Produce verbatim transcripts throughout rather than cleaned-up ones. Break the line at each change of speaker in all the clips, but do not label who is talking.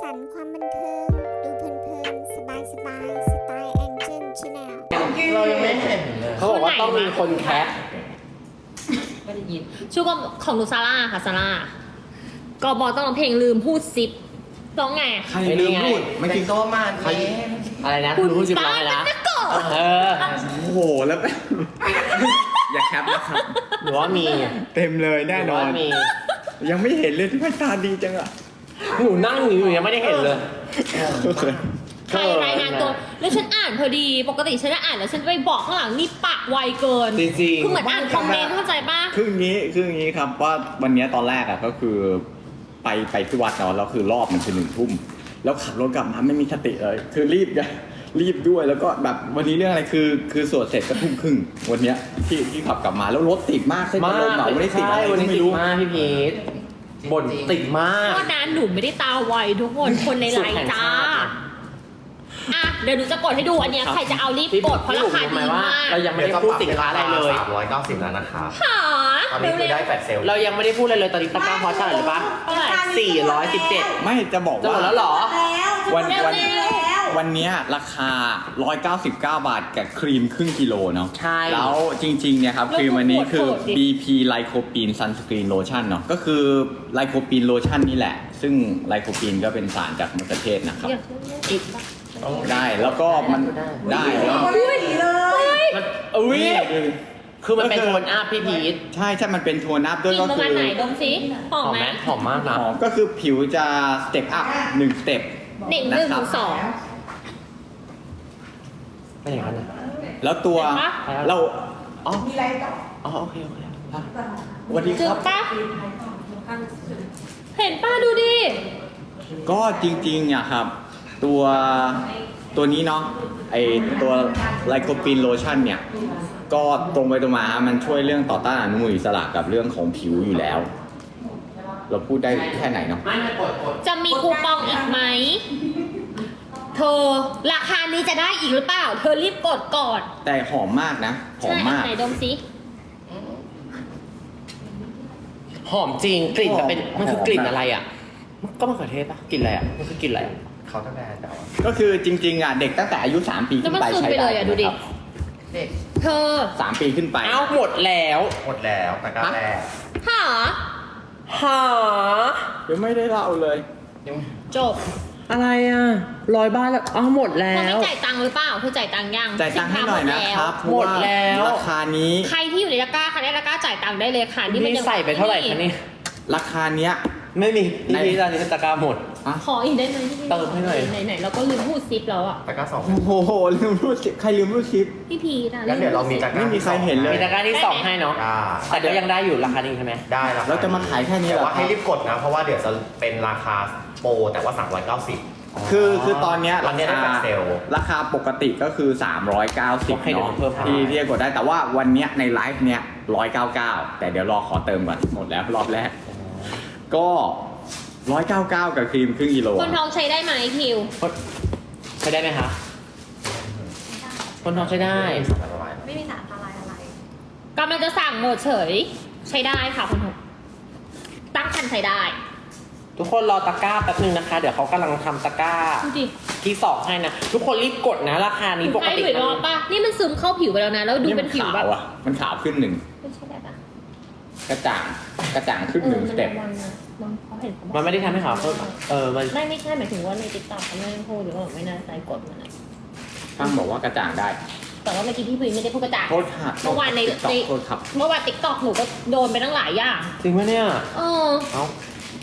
สันต์ความบันเทิง ดูเพลินๆ สบายๆ สไตล์แองเจิลชาแนล
เรายังไม่เห็นเลยเขาบอกว่าต้องมีคนแคป
ไม่ได้ยินชื่อของหนูซาร่าค่ะซาร่ากอบอต้องร้องเพลงลืมพูดซิปร้องไง
ใครลืมพูดไม่กิน
โตมาใครอะไรนะคุณรู้สึกร้องไงนะเออ
โอ้โหแล้ว อย่าแคปนะครับ
หรือว่ามี
เต็มเลยแน่นอน
หรืว่ามี
ยังไม่เห็นเลยที่พตาดีจังอ่ะ
หนูนั่งอยู่อยู่ยังไม่ได้เห็นเลย
ใครรายงานตัวแล้วฉันอ่านพอดีปกติฉันจะอ่านแล้วฉันจะไปบอกข้างหลังนี่ปากไวเกิน
จริง
คือเหมือนอ่านคอมเมนต์เข้าใจป่ะ
คืออย่างนี้คืออย่างนี้ครับว่าวันนี้ตอนแรกอ่ะก็คือไปไปที่วัดเนาะแล้วคือรอบมันคือหนึ่งทุ่มแล้วขับรถกลับมาไม่มีสติเลย คือรีบไงรีบด้วยแล้วก็แบบวันนี้เรื่องอะไรคือ คือสวดเสร็จก็ทุ่มครึ่งวันเนี้ยที่ที่ขับกลับมาแล้วรถติดมากเส้น
ๆ
ตะลงเหมาไม่ได้ติดอะไร
วันนี้
ก็
ติ
ไม่
ด
รู้
มากพี่พีทบ่นติดมาก
เพราะนั้นหนูไม่ได้ตาไวทุกคนคนในไลน์จ้าอ่ะเดี๋ยวหนูจะกดให้ดูอันเนี้ยใครจะเอารีบกดเพราะราคาดีมาก
เรายังไม่ได้พูดสินค้าอะไรเลย
สามร้อยเก้าสิบแล้วนะครับ
หา
ตอนนี้คือ
เร็
ได้
ว
แฟลชเซลล์
เรายังไม่ได้พูดอะไรเลยตอนนี้ตะกร้าฮอตเท่าไหร่หรือปะ
ๆเท่าไหร่
สี่ร้อยสิบเจ็ด
ไม่จะบอก
จะหม
ว่า
ดแล้วเหรอ
วัน
เร็ว
วัน
ๆ
วันเนี้ยราคาหนึ่งร้อยเก้าสิบเก้าบาทกับครีมครึ่งกิโลเนาะ
ใช่
แล้วจริงๆเนี่ยครับครีมอันนี้คือ
โหดๆดิ
บี พี Lycopene Sunscreen Lotion เนาะก็คือ Lycopene Lotion นี่แหละ ซึ่ง Lycopene ก็เป็นสารจากมะเขือเทศนะครับ
อยากกินปะ
ได้แล้วก็มันได้แล้ว
มันอุ้ย
นี่
คือมันเป็นโทนอัพพี่พีท
ใช่ใช่มันเป็นโทนอัพด้วย
กิน
ก็
ประ
คื
มาณ
อ
ไหนดมซิหอม
หอม
ไห
ไห
ม
มหอมมากนะ
หอมก็คือผิวจะสเต็ปอัพหนึ่งสเต็ป
หนึ่งหนึ่งถึงสอง
ไม่อย่างนั้นนะ
แล้วตัว
เห็นปะ
เรา
อ๋ออ๋อโอเคโอเคอ่ะ
สวัสดี
จึ
ค
ง
รับ
ปะเห็นป้าดูดิ
ก็จริงๆอะครับ ตัวตัวนี้เนาะไอตัวไลโคปีนโลชั่นเนี่ย ก็ตรงไปตรงมามันช่วยเรื่องต่อต้านอนุมูลอิสระกับเรื่องของผิวอยู่แล้ว เราพูดได้แค่ไหนเนาะ
ไม่ไม่กดกด
จะมีคูปองอีกไหมเธอราคานี้จะได้อีกหรือเปล่า เธอรีบกดก่อน
แต่หอมมากนะ หอ
ใช่
มมาก
ไหนดมซิ
หอมจริงกลิ่นจะเป็น
หอม
มันคือกลิ่น
หอม
อะไรอ่ะ ก็มะเขือเทศปะกลิ่นอะไรอ่ะมันคือกลิ่นอะไรอะ
เขาตั้งแต่แต่ว่า
ก็คือจริงๆอ่ะเด็กตั้งแต่อายุสามปี
แล้ว
ขึ้น
มัน
ไป
ซึม
ใช้
ไปเล
ได้
ยอ่ะดูดิ
นะครับ
เด็ก
เธอ
สามปีขึ้นไป
เอ้าหมดแล้ว
หมดแล้วตะกร้าแรก
หา
หา
เดี๋ยวไม่ได้เล่าเลย
ยัง
จบ
อะไรอ่ะร้อยบ้านแล้วอ๋อหมดแล้
เธอไม่
ว
จ่ายตังค์หรือเปล่าเธอจ่ายตังค์ยัง
จ่ายตังค์ให้หน่อยนะครับเพราะ
หมด
ว่า
แล้ว
ราคานี้
ใครที่อยู่ในตะกร้าใครได้ตะกร้าจ่ายตังค์ได้เลยค่ะนี่มัน
นี่
ยัง
ใส่ไปเท่าไหร่คะนี่
ราคาเนี้ย
ไม่มี
ใน
พี่พีทตอนนี้ตะกร้าหมด
ขออีกได้ไหม
เติมให้หน่อย
ไหนๆเราก็ลืมพูดซิปแล้วอ่ะ
ตะกร้าสอง
โอ้โหลืมรูดชิปใครลืมรูดชิป
พี่พีนะ
งั้นเดี๋ยวเรามีตะกร้า
ไม่มีใครเห็นเลย
มีตะกร้าที่สองให้เนาะ
อ่า
แต่ก็ยังได้อยู่ราคานี้ใช่ไหม
ได้แล้ว
เราจะมาขายแค่นี้เหรอ
แต่ว่าให้รีบกดนะ เพราะว่าเดี๋ยวจะเป็นราคาโปรแต่ว่าสามร้อยเก้าสิบ
คือคือตอนเนี้ย
ตอนเนี้ยได้
รา
แฟล
คา
ชเซลล์
ราคาปกติก็คือ สามร้อยเก้าสิบ
ให้เดี๋ยว
เนาะ
เพิ่มให้
ที่ที่จะกดได้แต่ว่าวันเนี้ยในไลฟ์เนี้ยหนึ่งร้อยเก้าสิบเก้าแต่เดี๋ยวรอขอเติมก่อนหมดแล้วรอบแรก ก็หนึ่งร้อยเก้าสิบเก้ากับครีมครึ่งกิโล
คนท้องใช้ได้ไหมคิว
ใช้ได้ไหมคะคนท้องใช้ได้
ไม่มีสารอันตรายอะไร
กำลังจะสั่งหมดเฉย ใช้ได้ค่ะคนท้องตั้งคันใช้ได้
ทุกคนรอตะกร้าแป๊บนึงนะคะ เดี๋ยวเขากำลังทำตะกร้า
ดูดิ
ที่สองให้นะ ทุกคนรีบกดนะ ราคานี้ปก
ให้
ติ
ดูอีกรอบป่ะนี่มันซึมเข้าผิวไปแล้วนะ แล้วดูเป็นผิว
ขา
แบบ
วอ่ะมันขาวขึ้นหนึ่ง
ไม่ใช่ได้ปะ
กระจ่างกระจ่างขึ้นหนึ่งสเต็ป
มันมันเขาเห็นเขาบอก
มันไม่ได้ทำให้ขาวเพิ่มเออมัน
ไม่ไม่ใช่หมายถึงว่าในติ๊กต็อกเขาไม่ได้พูดหรือว่าไม่น่าใจกดมันอะ
ตั้งบอกว่ากระจ่างได้
แต่ว่าเมื่อกี้พี่พีไม่ได้พูดกระจ่าง
โทษค่ะ
เมื่อวานใน
ติ๊กต็อกโทษครับ
เมื่อวานติ๊กต็อกหนูก็โดนไปตั้งหลายอย่าง
จริงไหมเนี่ย
เออ
เอ้า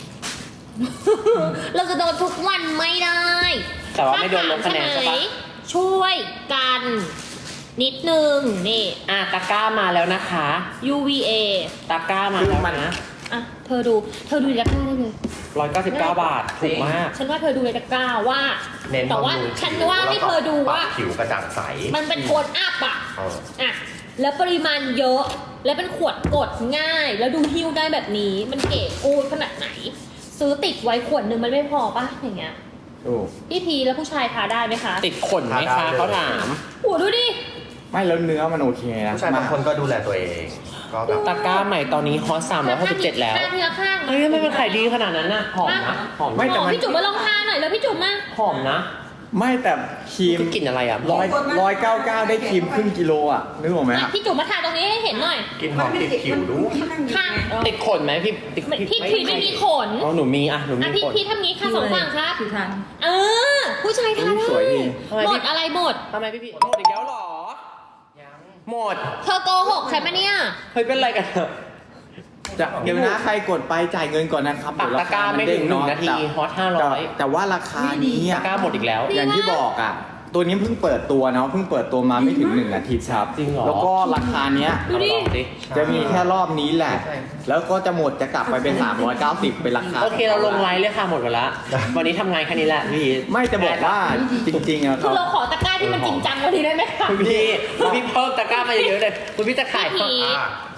เราจะโดนทุกวันไม่ได้
แต่ว่าไม่โดนลงคะแนนใช่ปะ
ช่วยกัน นิดนึง นี่
อ่ะตะกร้ามาแล้วนะคะ
ยู วี เอ
ตะกร้ามา
คือ
แล้ว
มัน
นะ
อ่ะ เธอดู เธอดูในตะกร้าได้เลย
ร้อยเก้าสิบเก้าบาท ถูกมาก
ฉันว่าเธอดูในตะกร้าว่า
เน้น
แต่ว่า
บำรุง
ฉันว่าให้เธอดูว่า
ปรับผิวกระจ่างใส
มันเป็นโทนอัพอ่ะ
เออ
อ่ะ แล้วปริมาณเยอะ แล้วเป็นขวดกดง่าย แล้วดูหิ้วได้แบบนี้ มันเก๋กูดขนาดไหน ซื้อติดไว้ขวดหนึ่งมันไม่พอป่ะ อย่างเงี้ย
โอ้
พี่พีแล้วผู้ชายทาได้ไหมคะ
ติดขนไหมคะเขาถาม
โอ้ดูดิ
ไม่แล้วเนื้อมันโอเคนะ
ผู้ชายบางคนก็ดูแลตัวเอง
เ
ก็แบบ
ตะกร้าใหม่ตอนนี้ฮอตสามร้อยหกสิบเจ็ดแล้ว
ทาเนื้อข้าง
เฮ้ยทำไมมันขายดีขนาดนั้นน่ะหอมนะหอม
ไม่แต่
โอ้
มัน
พี่จุ๋มมาลองทาหน่อยแล้วพี่จุ๋มมา
หอมนะ
ไม่แต่ครีม
คือกลิ่นอะไรอ่ะ
ร้อยร้อยเก้าเก้าได้ครีมครึ่งกิโลอ่ะนึกออกไหม
มา
อะ
พี่จุ๋มมาทาตรงนี้ให้เห็นหน่อย
กินหอมติดผิวรู้
ข้าง
ติดขนไหมพี่ติด
พี่พีไม่มีขน
อ๋อหนูมีอ่ะหนูมี
อ่ะพี่
ขน
พี่ทำงี้ค่ะสองฝั่งครับ
คือทาน
เออ ผู้ชายทาได้
สวยดี
ทำไม
หม
พี่
ดอะไรหมด
ทำไมพี่พี่หมดอีกแล้วเหรอหมด
เธอโกหกใช่ไหมเนี่ย
เฮ้ยเป็นไรกันเถอะ
จะเดี๋ยวนะใครกดไปจ่ายเงินก่อนนะครับ
ปักตะกร้าไม่ถึงหนึ่งนาทีฮอตห้าร้อย
แต่แต่ว่าราคานี้
ตะ
อะ
กร้าหมดอีกแล้ว
อย่างที่บอกอ่ะ ตัวนี้เพิ่งเปิดตัวเนาะเพิ่งเปิดตัวมาไม่ถึงหนึ่งอาทิตย์ครับ
จริงเหรอ
แล้วก็ราคาเนี้ย
ดูดิ
เอาลองดิ
จะมีแค่รอบนี้แหละ แล้วก็จะหมดจะกลับไปเป็น สามร้อยเก้าสิบ เป็นราคา
โอเคเราลงไลน์เลยค่ะหมดไปละวันนี้ทำงานแค่นี้แหละพี่
ไม่จะบอกว่าจริงๆอะค
คื
รั
อบ เราขอตะกร้าที่มันจริงจังกว่านี้ได้ไหมคะ
คุณพี่คุณพี่เพิ่มตะกร้ามาเยอะๆเลยคุณพี่จะขาย
พี่พี
อ่ะ